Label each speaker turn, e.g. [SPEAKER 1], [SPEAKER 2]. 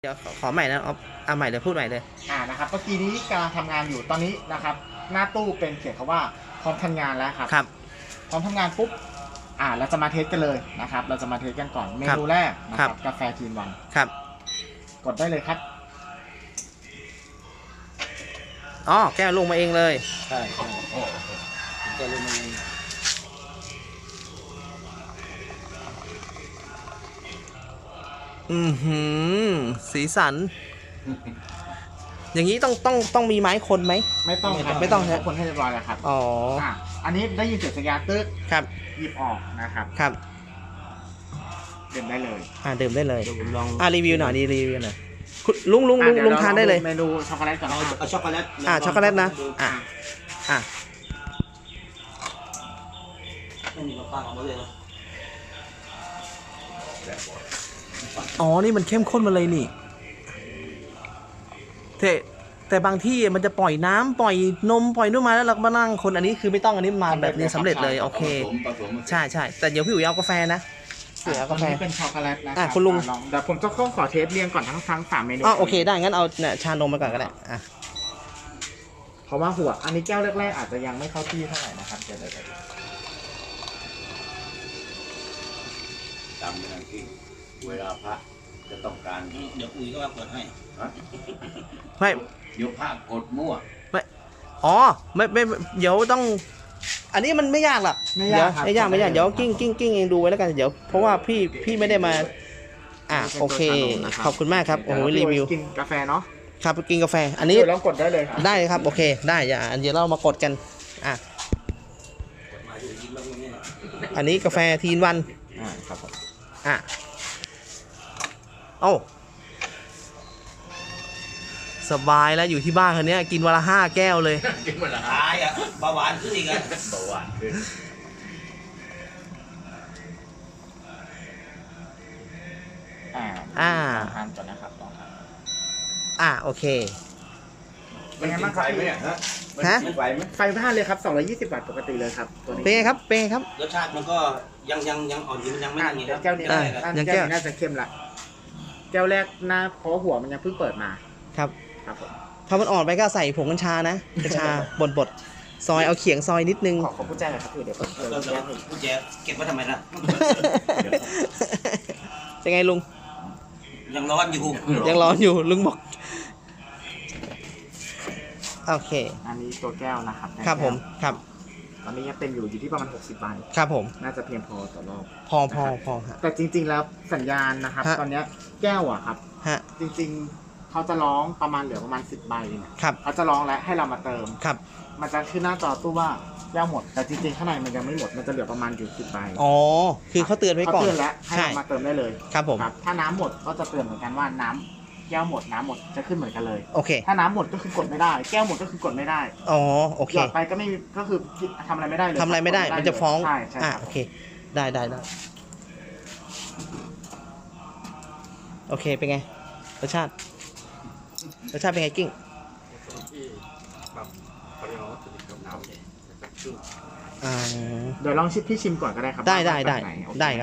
[SPEAKER 1] เดี๋ยวขอใหม่นะเอาใหม่เลยพูดใหม่เลย
[SPEAKER 2] นะครับเมื่อกี้นี้กำลังทำงานอยู่ตอนนี้นะครับหน้าตู้เป็นเขียนคำว่าพร้อมทำงานแล้วครับ
[SPEAKER 1] ครับ
[SPEAKER 2] พร้อมทำงานปุ๊บเราจะมาเทสกันเลยนะครับเราจะมาเทสกันก่อนเมนูแรกนะครับกาแฟทีนวัน
[SPEAKER 1] ครับ
[SPEAKER 2] กดได้เลยครับ
[SPEAKER 1] อ๋อแก้วลงมาเองเลย
[SPEAKER 2] ใช่แก้วลงมาเอง
[SPEAKER 1] สีสันอย่างนี้ต้องมีไม้คนไหม
[SPEAKER 2] ไม่ต้องครับ
[SPEAKER 1] ไม่ต้องใช่
[SPEAKER 2] คนให้เรียบร้อยแล้วครับ
[SPEAKER 1] อ๋อ
[SPEAKER 2] อันนี้ได้ยินเสียงสัญญาณตึ๊ก
[SPEAKER 1] ครับ
[SPEAKER 2] หยิบออกนะครับ
[SPEAKER 1] ครับ
[SPEAKER 2] ดื่มได้เลย
[SPEAKER 1] ดื่มได้เลย
[SPEAKER 2] ลอง
[SPEAKER 1] รีวิวหน่อยรีวิวหน่อยลุงทานได้เลย
[SPEAKER 2] เมนูช็อกโกแลตก่อน
[SPEAKER 3] เอาช็อกโกแลต
[SPEAKER 1] ช็อกโกแลตนะ
[SPEAKER 3] ไม่มีมะพร้าวเอามาเลยนะ
[SPEAKER 1] อ๋อนี่มันเข้มข้นมาเลยนี่แต่บางที่มันจะปล่อยน้ำปล่อยนมปล่อยนู่นมาแล้วเราก็มานั่งคนอันนี้คือไม่ต้องอันนี้มาแบบนี้สำเร็จเลยโอเคใช่แต่เดี๋ยวพี่อุ๋ยเอากาแฟนะ
[SPEAKER 2] เสือกาแฟเป็นช็อกโกแลตนะ
[SPEAKER 1] คุณลุง
[SPEAKER 2] เดี๋ยวผมจะขอเทสเรียงก่อนทั้ง3เมนู
[SPEAKER 1] โอเคได้งั้นเอาเนี่ยชานมมาก่อนก็ได้
[SPEAKER 2] เพราะว่าหัวอันนี้แก้วแรกๆอาจจะยังไม่เข้าที่เท่าไหร่นะครับเดี๋ยว
[SPEAKER 3] จำเป็นอย่างที่เวลาพระจะต้องการเดี๋ยวอุ้ยก็ว่าเปิดให้
[SPEAKER 1] ไม่
[SPEAKER 3] เดี๋ยวพระกดมั่ว
[SPEAKER 1] ไม่เดี๋ยวต้องอันนี้มันไม่ยากหรอกไม่ยากเดี๋ยวกิ้งเองดูไว้แล้วกันเดี๋ยวเพราะว่าพี่ไม่ได้มาโอเคขอบคุณมากครับโอ้โหรีวิว
[SPEAKER 2] กินกาแฟเนาะ
[SPEAKER 1] ครับกินกาแฟอันนี้
[SPEAKER 2] ลองกดได้เลยครับ
[SPEAKER 1] ได้ครับโอเคได้เดี๋ยวเรามากดกันอันนี้กาแฟทีนวัน
[SPEAKER 2] ครับผม
[SPEAKER 1] สบายแล้วอยู่ที่บ้านคนนี้กินวันละ5 แก้วเลย
[SPEAKER 3] กินวันละ5เบาหวานขึ้นอีกเบาหวานขึ้น
[SPEAKER 2] ทานก่อนนะครับลองทาน
[SPEAKER 1] โอเค
[SPEAKER 2] เป็นไงบ้างครับ
[SPEAKER 3] ไฟไหม
[SPEAKER 2] ไฟบ้านเลยครับ220 วัตต์ปกติเลยครับตัวนี้
[SPEAKER 1] เป็นไงครับ
[SPEAKER 3] รสชาติมันก็ยังอ่อนอยู่มันยังไม่อย่างนี้
[SPEAKER 2] แก้วนี้น่าจะเข้มละแก้วแรกหน้าเพราะหัวมันยังเพิ่งเปิดมา
[SPEAKER 1] ครับ
[SPEAKER 2] ผม
[SPEAKER 1] พอมันอ่อนไปก็ใส่ผงกัญชานะกัญชาบดซอยเอาเขียงซอยนิดนึง
[SPEAKER 2] ขอผู้แจ้งหน่อยครับเดี๋ยว
[SPEAKER 3] ผู้แจ้งเก็บไว้ทำไมล่ะ
[SPEAKER 1] เป็นไงลุง
[SPEAKER 3] ยังร้อน
[SPEAKER 1] อยู่ลุงบอกโอเค
[SPEAKER 2] อันนี้ตัวแก้วนะครับ
[SPEAKER 1] ครับผมครับ
[SPEAKER 2] ตอนนี้ยังเต็มอยู่ที่ประมาณ60 ใบ
[SPEAKER 1] ครับผม
[SPEAKER 2] น่าจะเพียงพอต่อรอบ
[SPEAKER 1] พอ
[SPEAKER 2] แต่จริงๆแล้วสัญญาณนะครับตอนนี้แก้วครับจริงๆเขาจะร้องประมาณเหลือประมาณ10 ใบเนี่ยเขาจะร้องแล้วให้เรามาเติมมันจะขึ้นหน้าจอตู้ว่าแก้วหมดแต่จริงๆข้างในมันยังไม่หมดมันจะเหลือประมาณอยู่10 ใบ
[SPEAKER 1] คือเขาเตือนไว้ก่อน
[SPEAKER 2] เขาเตือนแล้วให้เรามาเติมได้เลย
[SPEAKER 1] ครับผม
[SPEAKER 2] ถ้าน้ำหมดก็จะเตือนเหมือนกันว่าน้ำแก้วหมดน้ำหมดจะขึ้นเหมือนกันเลย
[SPEAKER 1] โอเค
[SPEAKER 2] ถ้าน้ำหมดก็คือกดไม่ได้แก้วหมดก็คือกดไม่ได้
[SPEAKER 1] โอเค
[SPEAKER 2] หยอดไปก็ไม่ก็คือทำอะไรไม่ได้เลย
[SPEAKER 1] ทำอะไรไม่ได้มันจะฟ้อง
[SPEAKER 2] ใช่
[SPEAKER 1] โอเคได้โอเคเป็นไงรสชาติเป็นไงกิ้ง
[SPEAKER 2] เดี๋ยวลองพี่ชิมก่อนก็ได้ครับ
[SPEAKER 1] ได้ครับ